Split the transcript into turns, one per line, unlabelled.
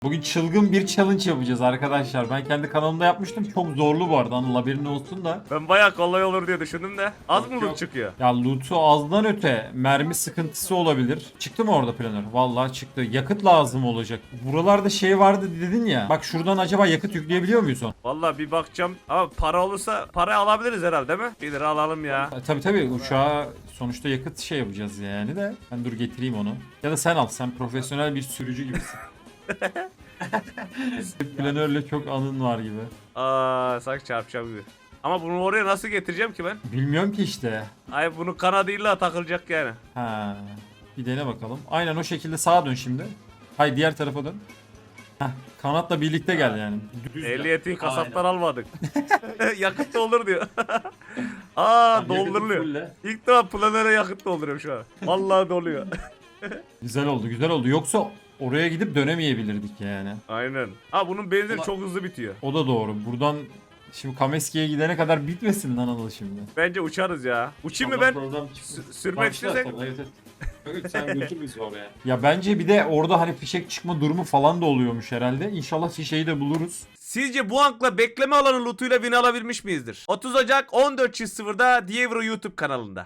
Bugün çılgın bir challenge yapacağız arkadaşlar. Ben kendi kanalımda yapmıştım. Çok zorlu bu arada. Anıl haberin olsun da.
Ben bayağı kolay olur diye düşündüm de. Az mı
Yok.
loot çıkıyor?
Ya loot'u azdan öte mermi sıkıntısı olabilir. Çıktı mı orada planör? Vallahi çıktı. Yakıt lazım olacak. Buralarda şey vardı dedin ya. Bak şuradan acaba yakıt yükleyebiliyor muyuz onu?
Vallahi bir bakacağım. Ama para olursa para alabiliriz herhalde değil mi? 1 lira alalım ya.
Tabii uçağa sonuçta yakıt şey yapacağız yani de. Ben dur getireyim onu. Ya da sen al. Sen profesyonel bir sürücü gibisin. Planörle çok anın var gibi.
Sanki çarpacağım gibi. Ama bunu oraya nasıl getireceğim ki ben?
Bilmiyorum ki işte.
Ay bunu kanadıyla takılacak yani.
Ha. Bir dene bakalım. Aynen o şekilde sağa dön şimdi. Hayır diğer tarafa dön. Heh, kanatla birlikte gel yani. Düz gel.
Ehliyeti kasaptan
Aynen.
almadık. Yakıt doldur diyor.
Yakıtı
Dolduruluyor.
fulle.
İlk defa planöre yakıt dolduruyorum şu an. Vallahi doluyor.
Güzel oldu güzel oldu. Yoksa oraya gidip dönemeyebilirdik yani.
Aynen. Bunun benzini çok hızlı bitiyor.
O da doğru. Buradan şimdi Kameski'ye gidene kadar bitmesin lan Anıl şimdi.
Bence uçarız ya. Uçayım mı ben? Sürmek istesek.
Evet, sen götür bizi oraya.
Ya bence bir de orada hani fişek çıkma durumu falan da oluyormuş herhalde. İnşallah fişeği de buluruz.
Sizce bu ankla bekleme alanı lootuyla win alabilmiş miyizdir? 30 Ocak 14.00'da Dievro YouTube kanalında.